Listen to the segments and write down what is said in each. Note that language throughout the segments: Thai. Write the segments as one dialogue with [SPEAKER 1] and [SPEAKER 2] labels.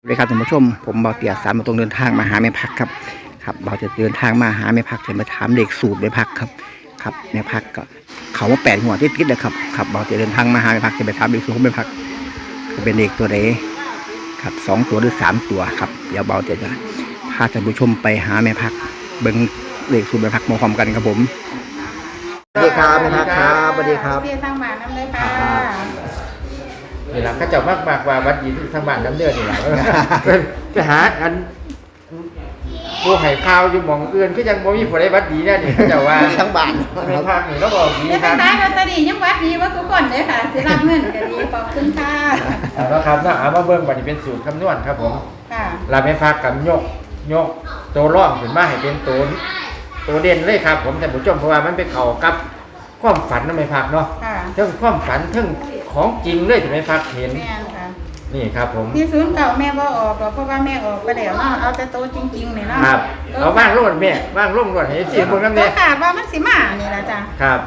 [SPEAKER 1] เลยครับท่านผู้ชมผมเบาเตียสามตรงเดินทางมาหาแม่พักครับเบาจะเดินทางมาหาแม่พักจะมาถามเด็กสูตรแม่พักครับแม่พักก็เขาว่า8 หัวติดเลยครับเบาจะเดินทางมาหาแม่พักจะไปถามเด็กสูตรของแม่พักจะเป็นเด็กตัวไหนครับ2 ตัวหรือ3 ตัวครับเดี๋ยวเบาจะพาท่านผู้ชมไปหาแม่พักเบิ้งเด็กสูตรแม่พักมาพร้อมกันครับผมสวัสดีครับแม่พักครับสวัสดีครับ
[SPEAKER 2] เสียทางบ้านน้ำเลยค่ะ
[SPEAKER 3] นี่แหละเขาเจ้ามากว่าวัดยีทางบ้านน้ำเดือดนี่แหละไปหาอันผู้ไห่ข้าวอยู่หมองอื่นก็ยังบ่มีผู้ใดวัดดีแน่นี่เขาเจ้าว่า
[SPEAKER 1] ทั้งบ้าน
[SPEAKER 3] ในภาคนี่เราบอกดี
[SPEAKER 2] ครับแต่เราจะดียังวัดดีว่าทุกคนเลยค่ะสิรับเงินก็ดีขอบคุณค่ะ
[SPEAKER 3] แล้วครับนะเอามาเบิ่งบัดนี้เป็นสูตรคำนวณครับผม
[SPEAKER 2] ค่ะ
[SPEAKER 3] เราไม่พักกับยกตัวร่องขึ้นมาให้เป็นตัวเด่นเลยครับผมแต่ผู้ชมเพราะว่ามันไปเข้ากับความฝันนั่นไม่พักเนาะทั้งความฝันทั้งของจริงเลยถึงไม่พักเห็นนี่ครับผม
[SPEAKER 2] ที่ศูนย์เก่าแม่ว่าออกเพราะว่าแม่ออกไปแล้วเนาะเอาแต่โตจริงๆเนี่ยเนาะ
[SPEAKER 3] ครับเอาว่างโลดแม่ว่างโล่งโลดให้เสียบนน้ำเนี่ย
[SPEAKER 2] ขาดว่ามันสิมานี่ละจ้ะ
[SPEAKER 3] ครับ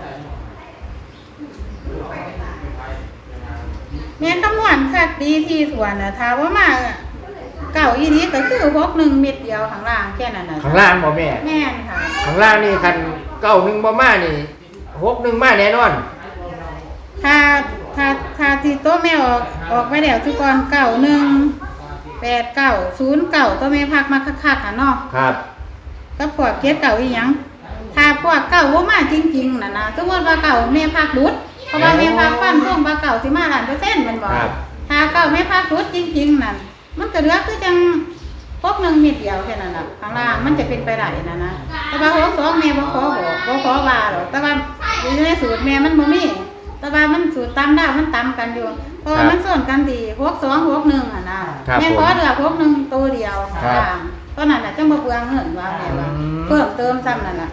[SPEAKER 2] แม่คำนวณคักดีที่ส่วนนะถ้าว่ามาเก่าอีนี้ก็คือ61 เม็ดเดียวข้างล่างแค่นั้นนะ
[SPEAKER 3] ข้างล่างบ่แม่
[SPEAKER 2] ค่ะ
[SPEAKER 3] ข้างล่างนี่คัน91บ่มานี่61มาแน่นอน
[SPEAKER 2] ถ้าที่โต๊ะแม่ออกไปแล้วทุกคน91 89 09ตัวแม่พักมาคักๆอ่ะเนาะ
[SPEAKER 3] ครับ
[SPEAKER 2] ก็พวกเก็ดเก่าอีหยังถ้าพวกเก่าบ่มาจริงๆน่ะนะสมมุติว่าเก่าแม่พักรุดเพราะว่าแม่พักฟันธงว่าเก่าสิมา100%มันบ่ถ้าเก่าแม่พักรุดจริงๆนั่นมันก็เหลือคือจัง61 เม็ดเดียวแค่นั้นน่ะข้างล่างมันจะเป็นไปได้นะแต่ว่า62แม่บ่ขอบอกบ่ขอว่าหรอกแต่ว่าอยู่ในสูตรแม่มันบ่มีแต่ว่ามันสูตรตามดาวมันตามกันอยู่เพราะว่ามันส่วนกันดี62 61อ่ะนะแม่ขอเหลือ61ตัวเดียวค่ะตอนนั้นน่ะจังบ่เปลืองเงินว่าแม่ว่าเพิ่มเติมซ้ำนั่นน่ะ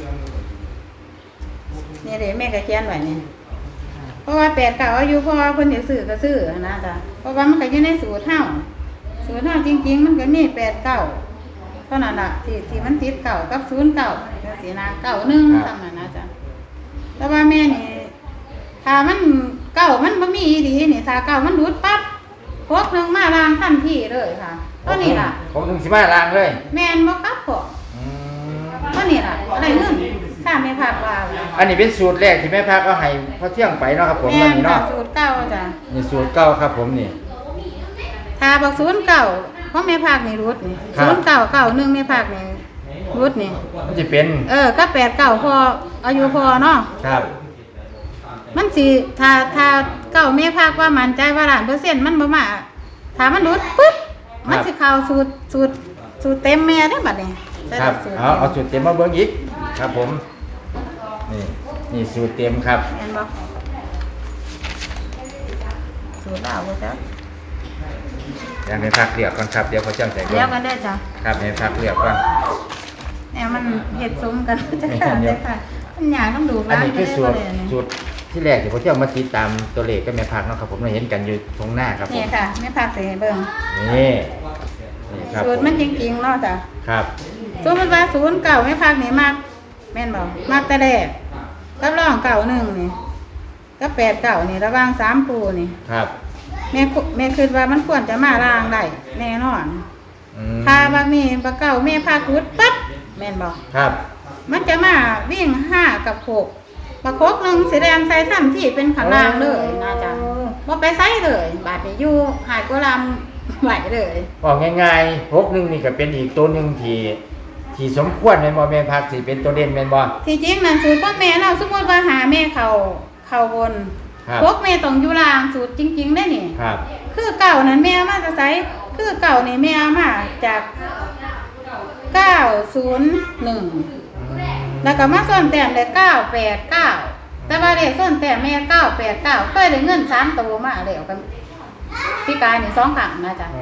[SPEAKER 2] นี่เด้แม่ก็เขียนไว้นี่เพราะว่า8 9อายุเพราะว่าเพิ่นสิซื้อก็ซื้อนะจ้ะเพราะว่ามันก็อยู่ในสูตรเฮาจริงๆมันก็มี8 9เท่านั้นล่ะที่มันติดเก่ากับ09จังซี่นะ91ซ้ำนั่นนะจ้ะแต่ว่าแม่นี่ถ้ามันเก่ามันบ่มีดีนี่ถ้าเก่ามันดูดปั๊บ61มาล้างทันทีเลยค่ะตัวนี้ล่ะ
[SPEAKER 3] 61สิมาล้างเลย
[SPEAKER 2] แม่นบ่กลับพอตัวนี้ล่ะได้เงินถ้าแม่พักว่า
[SPEAKER 3] อันนี้เป็นสูตรแรกที่แม่พักเอาให้พอเที่ยงไปเนาะครับผม
[SPEAKER 2] อัน
[SPEAKER 3] นี้เนาะ
[SPEAKER 2] สูตรเก่าจ้ะ
[SPEAKER 3] นี่สูตรเก่าครับผมนี่
[SPEAKER 2] ถ้าบอก09เพราะแม่พักนี่รุดนี่0991แม่พักนี่รุดนี่
[SPEAKER 3] มันสิเป็น
[SPEAKER 2] ก็89พออายุพอเนาะ
[SPEAKER 3] ครับ
[SPEAKER 2] มันสิถ้าเก่าแม่พักว่ามั่นใจว่า100%มันบ่มาถ้ามันรุดปึ๊บมันสิเข้าสูตรเต็มแม่ได้บัดนี้
[SPEAKER 3] ครับเอาสูตรเต็มมาเบิ่งอีกครับผมนี่สูตรเต็มครับ
[SPEAKER 2] เห็นบ่สูตรดาวบ่จ๊ะ
[SPEAKER 3] ยังให้พักเลือกก่อนครับเดี๋ยวเขาจ้างใจก่อน
[SPEAKER 2] เดี๋ยวกันได้จ้ะ
[SPEAKER 3] ครับให้พักเลือกก่อน
[SPEAKER 2] เนี่ยมันเฮ็ดสมกันจังซั่นได้ค่ะมันยากต้องดู
[SPEAKER 3] อันนี้คือสูตรที่แรกที่เขาจะมาติดตามตัวเลขก็แม่พักเนาะครับผมเราเห็นกันอยู่ตรงหน้าครับ
[SPEAKER 2] นี่ค่ะแม่พักสิเบิ่ง
[SPEAKER 3] นี่ครับ
[SPEAKER 2] สูตรมันจริงๆเนาะจ้ะ
[SPEAKER 3] ครับ
[SPEAKER 2] สมมุติว่า09แม่พักนี่มักแม่นบ่มักแต่แรกกับรอง91นี่กับ89นี่ระหว่าง3ปูนี่
[SPEAKER 3] ครับ
[SPEAKER 2] แม่คิดว่ามันควรจะมาล้างได้แน่นอนถ้าบางนี่บ่เก่าแม่พักรุดปั๊บแม่นบ่
[SPEAKER 3] ครับ
[SPEAKER 2] มันจะมาวิ่ง5กับ6บัก6 1สิแดนใส่ทันที่เป็นข้างล่างเลยนะจ๊ะบ่ไปใส่เลยบาดนี้อยู่หายกว่าลำไหวเลย
[SPEAKER 3] บอกง่ายๆ61นี่ก็เป็นอีกตัวนึงที่สมควรแม่นบ่แม่พักสิเป็นตัวเด่นแม่นบ่
[SPEAKER 2] ที่จริงนั่นสูตรพ่อแม่เราสมมุติว่าหาแม่เข้าบนพวกแม่ต้องอยู่ล่างสูตรจริงๆได้นี่
[SPEAKER 3] ครับ
[SPEAKER 2] คือเก่านั้นแม่มาจะใส่คือเก่านี่แม่มาจาก901แล้วก็มาส่วนแต้มได้989แต่ว่าเลขส่วนแต้มแม่989เคยได้เงิน3ตัวมาแล้วกันพี่กายนี่2ครั้งนะจ๊ะ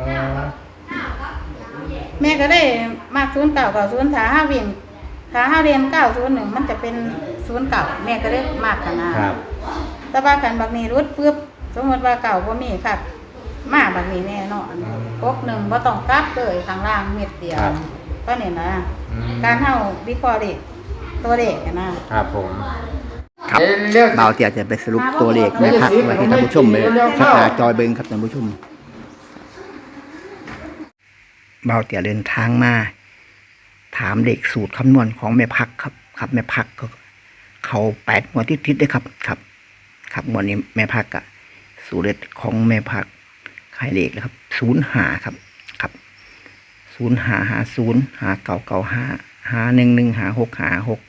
[SPEAKER 2] แม่ก็ได้มาก0990ถ้า5วิ่งถ้า5เรียน901มันจะเป็น09แม่ก็ได้มากขนาดแต่ว่าคันบักนี้รุดปึ๊บสมมติว่าเก่าบ่มีค่ะมาบักนี้แน่นอน61บ่ต้องกลับเลยข้างล่างเม็ดเดียวก็นี่นะการเฮาวิเคราะห์เลขตัวเลข
[SPEAKER 3] นะครับผม
[SPEAKER 1] ครับเบาเตียจะไปสรุปตัวเลขแม่พักไว้ให้ท่านผู้ชมเลยชักหน้าจอยเบิ่งครับท่านผู้ชมเบาเตี่ยเดินทางมาถามเลขสูตรคำนวณของแม่พักครับแม่พักก็เขา8 งวดติดๆเลยครับงวดนี้แม่พักอะสูตรเด็ดของแม่พักให้เลขนะครับ05ครับ055059955115665616619119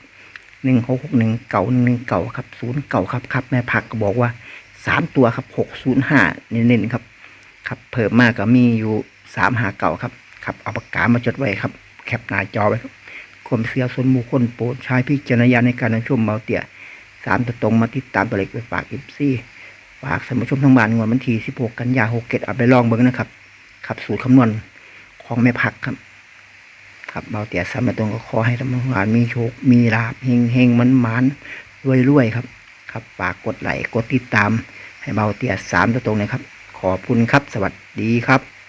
[SPEAKER 1] ครับ09ครับแม่พักก็บอกว่า3 ตัวครับ605เน้นๆครับเพิ่มมากก็มีอยู่359ครับเอาปากกามาจดไว้ครับแคปหน้าจอไว้ครับความเชื่อส่วนบุคคลโปรดใช้พิจารณญาณในการรับชมเบาเตี่ย3 ตัวตรงมาติดตามตัวเลขไปฝากFCฝากท่านผู้ชมทั้งบ้านงวดวันที่16 กันยายน67เอาไปลองเบิ่งนะครับสูตรคำนวณของแม่พักครับเบาเตี่ย3 ตัวตรงก็ขอให้ท่านผู้ชมมีโชคมีลาภเฮงมันรวยครับฝากกดไลค์กดติดตามให้เบาเตี่ย3 ตัวตรงนะครับขอบคุณครับสวัสดีครับ